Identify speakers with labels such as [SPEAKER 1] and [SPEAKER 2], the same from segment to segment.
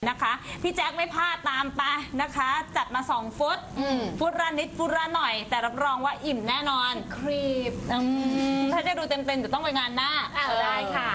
[SPEAKER 1] นะคะพี่แจ็คไม่พลาดตามไปนะคะจัดมา2 ฟุตฟุตละนิดฟุตละหน่อย แต่รับรองว่าอิ่มแน่นอน
[SPEAKER 2] ครีบ
[SPEAKER 1] ถ้าจะดูเต็มๆจะต้องไปงานหน้า
[SPEAKER 2] ได้ค่ะ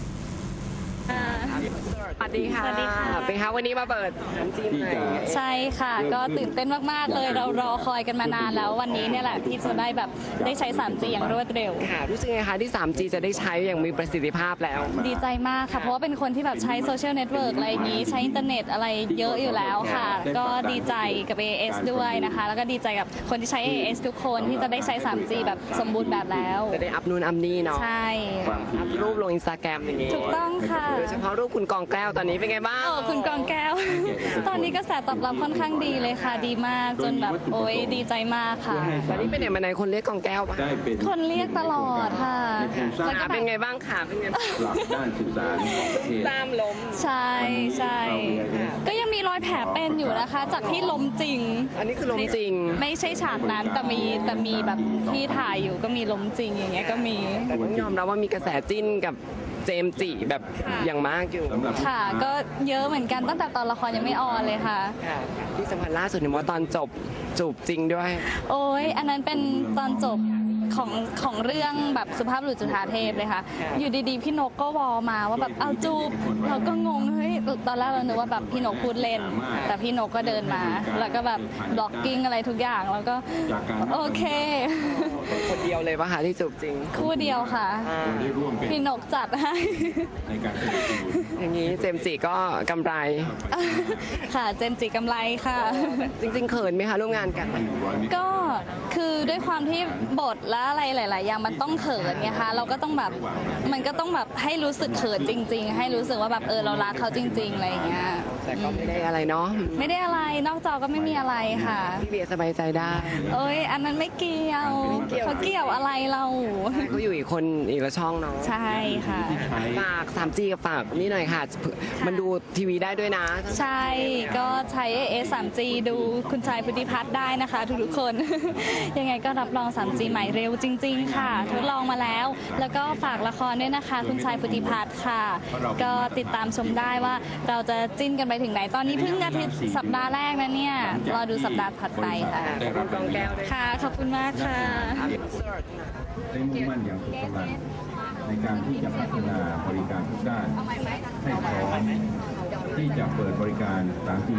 [SPEAKER 3] สวัสดีค่ะเป็นคะวันนี้มาเปิดน้ำจิ้มเลย
[SPEAKER 4] ใช่ค่ะก็ตื่นเต้นมากๆเลยเรารอคอยกันมานานแล้ววันนี้เนี่ยแหละที่จะได้แบบได้ใช้ 3G อย่างรวดเร็ว
[SPEAKER 3] ค่ะรู้สึกไงคะที่ 3G จะได้ใช้อย่างมีประสิทธิภาพแล้ว
[SPEAKER 4] ดีใจมากค่ะเพราะว่าเป็นคนที่แบบใช้โซเชียลเน็ตเวิร์กอะไรอย่างนี้ใช้อินเทอร์เน็ตอะไรเยอะอยู่แล้วค่ะก็ดีใจกับ AIS ด้วยนะคะแล้วก็ดีใจกับคนที่ใช้ AIS ทุกคนที่จะได้ใช้ 3G แบบสมบูรณ์แบบแล้ว
[SPEAKER 3] จะได้อัพนู่นอัพนี่เนาะ
[SPEAKER 4] ใช่
[SPEAKER 3] อัพรูปลง Instagram อย่างนี้
[SPEAKER 4] ถูกต้องค่ะ
[SPEAKER 3] โดยเฉพาะรูปคุณกองแก้วตอนนี้เป็นไงบ้าง
[SPEAKER 4] คุณกองแก้วตอนนี้กระแสตอบรับค่อนข้างดีเลยค่ะดีมากจนแบบโอ๊ยดีใจมากค่ะ
[SPEAKER 3] ตอนนี้เป็นไหนมาไหนคนเรียกกองแก้วปะ
[SPEAKER 4] คนเรียกตลอดค่ะ
[SPEAKER 3] แล้วก็เป็นไงบ้างค่ะเป็นไงบ้าง
[SPEAKER 5] ด้านสื่อสาร
[SPEAKER 3] ตามล้ม
[SPEAKER 4] ใช่ใช่ก็ยังมีรอยแผลเป็นอยู่นะคะจากที่ล้มจริง
[SPEAKER 3] อันนี้คือล้มจริง
[SPEAKER 4] ไม่ใช่ฉากนั้นแต่มีแบบที่ถ่ายอยู่ก็มีล้มจริงอย่างเงี้ยก็มี
[SPEAKER 3] แต่ต้องยอมรับว่ามีกระแสจิ้นกับเจมส์จิแบบอย่างมากอยู่
[SPEAKER 4] ค่ะก็เยอะเหมือนกันตั้งแต่ตอนละครยังไม่ออนเลยค่ะ
[SPEAKER 3] ที่สำคัญล่าสุดเห็นว่าตอนจบจูบจริงด้วย
[SPEAKER 4] โอ้ยอันนั้นเป็นตอนจบของเรื่องแบบสุภาพบุรุษจุฑาเทพเลยค่ะอยู่ดีๆพี่นกก็วอมาว่าแบบเอาจูบเราก็งงเฮ้ยตอนแรกเรานึกว่าแบบพี่นกพูดเล่นแต่พี่นกก็เดินมาแล้วก็แบบบล็อกกิ้งอะไรทุกอย่างแล้วก็โอเค
[SPEAKER 3] คนเดียวเลยปะคะที่จูบจริง
[SPEAKER 4] คู่เดียวค่ะพี่นกจัดให้
[SPEAKER 3] อย่างนี้เจมส์จิก็กำไร
[SPEAKER 4] ค่ะเจมส์จิกำไรค่ะ
[SPEAKER 3] จริงๆเขินไหมคะร่วมงานกัน
[SPEAKER 4] ก็คือด้วยความที่บทและอะไรหลายๆอย่างมันต้องเขินไงคะเราก็ต้องแบบมันก็ต้องแบบให้รู้สึกเขินจริงๆให้รู้สึกว่าแบบเรารักเขาจริงๆอะไรอย่างเงี้ย
[SPEAKER 3] แต่ก็ไม่ได้อะไรเนาะ
[SPEAKER 4] ไม่ได้อะไรนอกจอก็ไม่มีอะไรค่ะ
[SPEAKER 3] พี่เบียร์สบายใจได้
[SPEAKER 4] เอ้ยอันนั้นไม่เกี่ยวเขาเกี่ยวอะไรเรา
[SPEAKER 3] เขาอยู่อีกคนอีกละช่องเนาะ
[SPEAKER 4] ใช่ค่ะ
[SPEAKER 3] ฝาก 3G กับฝากนี่หน่อยค่ะมันดูทีวีได้ด้วยนะ
[SPEAKER 4] ใช่ก็ใช้ AIS 3G ดูคุณชายพุทธิพัฒน์ได้นะคะทุกๆคนยังไงก็รับรอง 3G ใหม่เร็วจริงๆค่ะทดลองมาแล้วก็ฝากละครด้วยนะคะคุณชายพุทธิพัฒน์ค่ะก็ติดตามชมได้ว่าเราจะจิ้นกันไปถึงไหนตอนนี้เพิ่งอาทิตย์สัปดาห์แรกนะเนี่ยรอดูสัปดาห์ถัดไปค่ะ
[SPEAKER 3] กองแก้วด้วย
[SPEAKER 4] ค่ะขอบคุณมากค่ะ
[SPEAKER 5] ได้มุ่งมั่นอย่างสุดกำลังในการที่จะพัฒนาบริการทุกด้านให้พร้อมที่จะเปิดบริการ 3G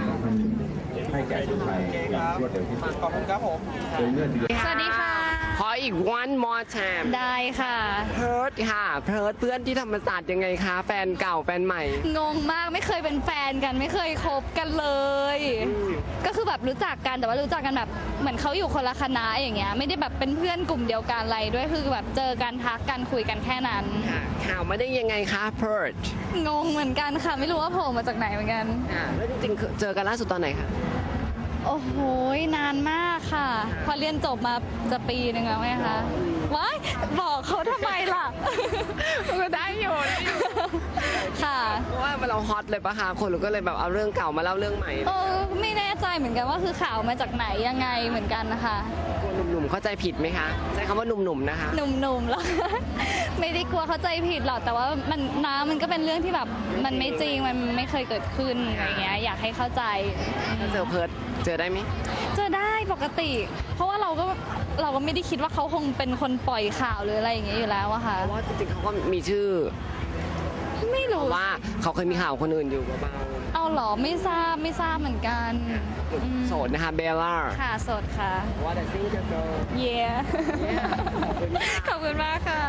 [SPEAKER 5] 2001ให้แก่คนไทยอย่างรวดเร็วที่สุด
[SPEAKER 3] ขอบคุณครับผม
[SPEAKER 4] สวัสดีค่ะ
[SPEAKER 3] ขออีก one more time
[SPEAKER 4] ได้ค่ะ
[SPEAKER 3] เพิร์ดค่ะเพิร์ดเพื่อนที่ธรรมศาสตร์ยังไงคะแฟนเก่าแฟนใหม่
[SPEAKER 4] งงมากไม่เคยเป็นแฟนกันไม่เคยคบกันเลยก็คือแบบรู้จักกันแต่ว่ารู้จักกันแบบเหมือนเขาอยู่คนละคณะอย่างเงี้ยไม่ได้แบบเป็นเพื่อนกลุ่มเดียวกันอะไรด้วยคือแบบเจอกันทักกันคุยกันแค่นั้น
[SPEAKER 3] ข่าวมาได้ยังไงคะเพิร์ด
[SPEAKER 4] งงเหมือนกันค่ะไม่รู้ว่าโผล่มาจากไหนเหมือนกัน
[SPEAKER 3] แล้วจริงๆเจอกันล่าสุดตอนไหนคะ
[SPEAKER 4] โอ้โหนานมากค่ะพอเรียนจบมาจะปีนึงแล้วไหมคะว้ายบอกเขาทำไมล่ะ
[SPEAKER 3] ก็ได้อยู่
[SPEAKER 4] ค่ะ
[SPEAKER 3] เพราะว่าเราฮอตเลยปะคะคนก็เลยแบบเอาเรื่องเก่ามาเล่าเรื่องใหม่
[SPEAKER 4] ไม่แน่ใจเหมือนกันว่าคือข่าวมาจากไหนยังไงเหมือนกันนะคะ
[SPEAKER 3] หนุ่มๆเข้าใจผิดไหมคะใช้คำว่าหนุ่มๆนะคะ
[SPEAKER 4] หนุ่มๆแล้วไม่ได้กลัวเข้าใจผิดหรอกแต่ว่ามันก็เป็นเรื่องที่แบบมันไม่จริงมันไม่เคยเกิดขึ้นอะไรเงี้ยอยากให้เข้าใจ
[SPEAKER 3] ถ้าเจอเพิร์ดเจอได้ไหม
[SPEAKER 4] เจอได้ปกติเพราะว่าเราก็ไม่ได้คิดว่าเขาคงเป็นคนปล่อยข่าวหรืออะไรอย่างเงี้ยอยู่แล้วอะค่ะ
[SPEAKER 3] เพราะว่าจริงๆเขาก็มีชื่อ
[SPEAKER 4] ไม่รู้
[SPEAKER 3] ว่าเขาเคยมีข่าวคนอื่นอยู่เบา
[SPEAKER 4] ๆเอาหรอไม่ทราบเหมือนกัน
[SPEAKER 3] โสดนะคะเบลล่า
[SPEAKER 4] ค่ะโสดค่ะ
[SPEAKER 3] ว่าแต่ซิงเกิล
[SPEAKER 4] เย้ขอบคุณมากค่ะ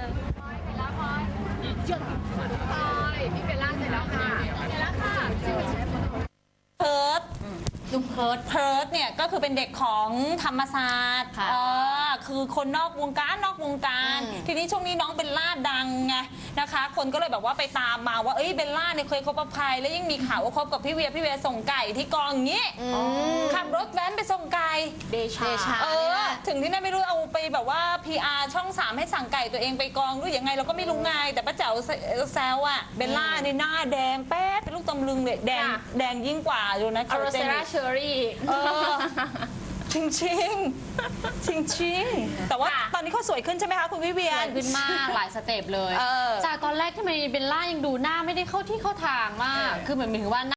[SPEAKER 2] พี่เบลล่าเสร็จแล้วค่ะเสร็จแล้วค่ะ
[SPEAKER 1] เพิร์ดลุงเพิร์ดเนี่ยก็คือเป็นเด็กของธรรมศาสตร์คือคนนอกวงการทีนี้ช่วงนี้น้องเบลล่าดังไงนะคะคนก็เลยแบบว่าไปตามมาว่าเบลล่าเนี่ยเคยคบกับใครแล้วยิ่งมีข่าวว่าคบกับพี่เวียส่งไก่ที่กองอย่างนี้ขับรถแว้นไปส่งไก่
[SPEAKER 2] เดชา
[SPEAKER 1] ถึงที่นั่นไม่รู้เอาไปแบบว่า PR ช่อง 3ให้สั่งไก่ตัวเองไปกองหรือยังไงเราก็ไม่รู้ไงแต่ป้าแจ๋วแซวอะเบลล่าเนี่ยหน้าแดงแป๊ดเป็นลูกตำลึงเลยแดงยิ่งกว่าดูนะ
[SPEAKER 2] อโรเซราเชอรี่
[SPEAKER 1] จริงแต่ว่าตอนนี้เขาสวยขึ้นใช่ไหมคะคุณวิเวียน
[SPEAKER 2] สวยขึ้นมากหลายสเต็ปเลยจากตอนแรกที่เบลล่ายังดูหน้าไม่ได้เข้าที่เข้าทางมากคือเหมือนถึงว่า